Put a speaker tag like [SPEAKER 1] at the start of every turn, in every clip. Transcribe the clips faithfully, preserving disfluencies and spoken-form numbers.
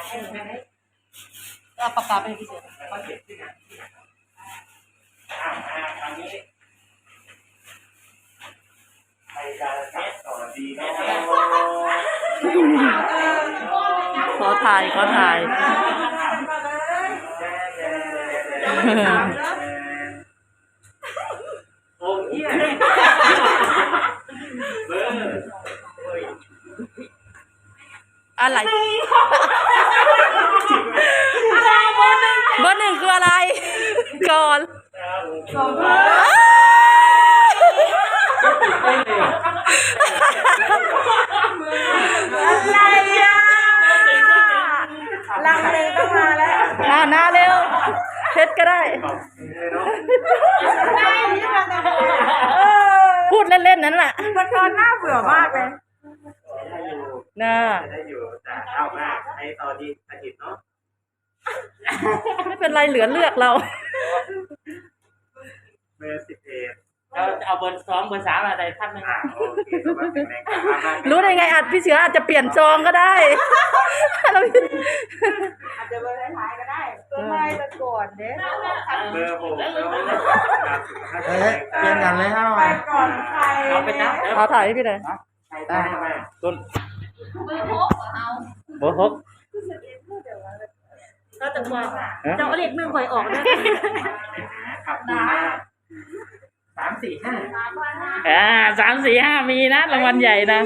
[SPEAKER 1] เอาปากกาไปพี่เสือ
[SPEAKER 2] ก็เก็บที่ไหนอ่าอ่าคราวนี้ใครจะจับต่อดีเนาะ
[SPEAKER 1] ขอถ่ายขอถ่าย
[SPEAKER 2] โอ้ยเบอร์
[SPEAKER 1] อะไรเบอร์หนึ่งคืออะไรก่อน
[SPEAKER 3] อะไรอ่ะลังเลต้องมาแล้ว
[SPEAKER 1] อ่าหน้าเร็วเพชรก็ได้พูดเล่นๆนั้นแหละ
[SPEAKER 3] มันตอนหน้าเบื่อมากเลย
[SPEAKER 1] น่า
[SPEAKER 2] ได้อยู่แต่เอาหน้าไอ้ตอนที่อาทิตย์เนาะ
[SPEAKER 1] ไม่เป็นไรเหลือเลือกเรา
[SPEAKER 2] เบอร์สิบเอ็ด
[SPEAKER 4] เราจะเอาเบอร์สองเบอร์สามอะไรท่านหนึ่ง
[SPEAKER 1] รู้ได้ไงอาจพี่เสืออาจจะเปลี่ยนซองก็ได้
[SPEAKER 3] อาจจะเบอร์ท้ายก็ได้ก็ไม่ตะก่อนเด้
[SPEAKER 2] เบอร์หก
[SPEAKER 5] เฮ้ยเปลี่ยนกันเลยเฮ้า
[SPEAKER 3] ไปก่อนใคร
[SPEAKER 4] เอาไปนับ
[SPEAKER 1] เอาถ่ายให้พี่เลย
[SPEAKER 2] ได้ไหม
[SPEAKER 4] ต้นเบอร์หกเอาเบอร์หก
[SPEAKER 1] ก็จะว่าเจ้าเล็กหนึ่งคอยออกด้วย
[SPEAKER 2] ขับมาสามสี่ห้า
[SPEAKER 4] อ่าสามสี่ห้ามีนะรางวัลใหญ่นะ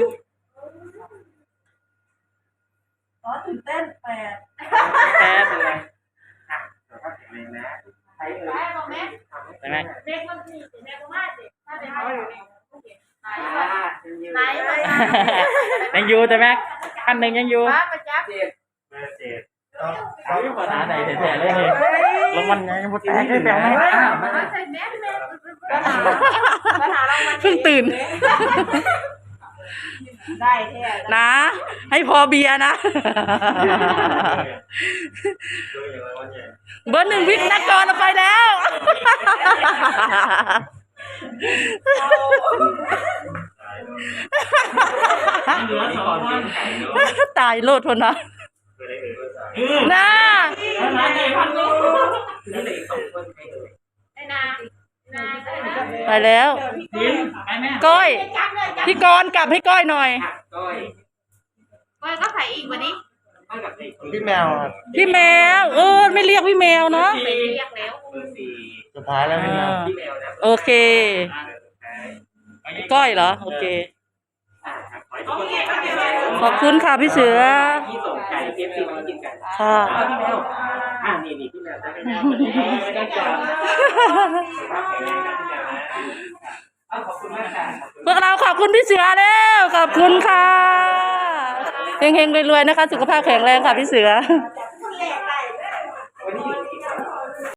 [SPEAKER 3] อ๋อตื่นเต้นแปด
[SPEAKER 4] แปดเลย
[SPEAKER 2] ใช่ไหม
[SPEAKER 4] ใช่ไหม
[SPEAKER 3] เด็กมันสี่เด็กมากเด็กถ้าเด็กเขาอยู่
[SPEAKER 4] ไหนยังอยู่แต่แม็กขั้นหนึ่งยังอยู่
[SPEAKER 3] มาจับ
[SPEAKER 2] เจ็ดเบอร์เจ็ด
[SPEAKER 4] เขาอยู่ภาษาไหนแท้ๆเลยนี่รางวัลไงมันแตกได้แปลงไหม
[SPEAKER 1] เพิ่งตื่น
[SPEAKER 3] ได้แท้
[SPEAKER 1] นะให้พอเบียร์นะเบอร์หนึ่งวิกนักกรเราไปแล้วตายโลดทนนะน่าไปแล้วก้อยพี่กรณ์กลับให้ก้อยหน่อย
[SPEAKER 3] ก้อยก็ใส่อีกวันนี้
[SPEAKER 5] พี่แมว
[SPEAKER 1] พี่แมวเออไม่เรียกพี่แมวเนาะ
[SPEAKER 3] เรียกแล้ว
[SPEAKER 5] สุดท้ายแล้วพี่แมว
[SPEAKER 1] โอเคก้อยเหรอโอเคขอบคุณค่ะพี่เสือค่ะ
[SPEAKER 2] อ่านี่นี่พี่แมวจะเป็นขอบคุณมากค่ะ
[SPEAKER 1] พวกเราขอบคุณพี่เสือแล้วขอบคุณค่ะเฮงๆรวยๆนะคะสุขภาพแข็งแรงค่ะพี่เสือ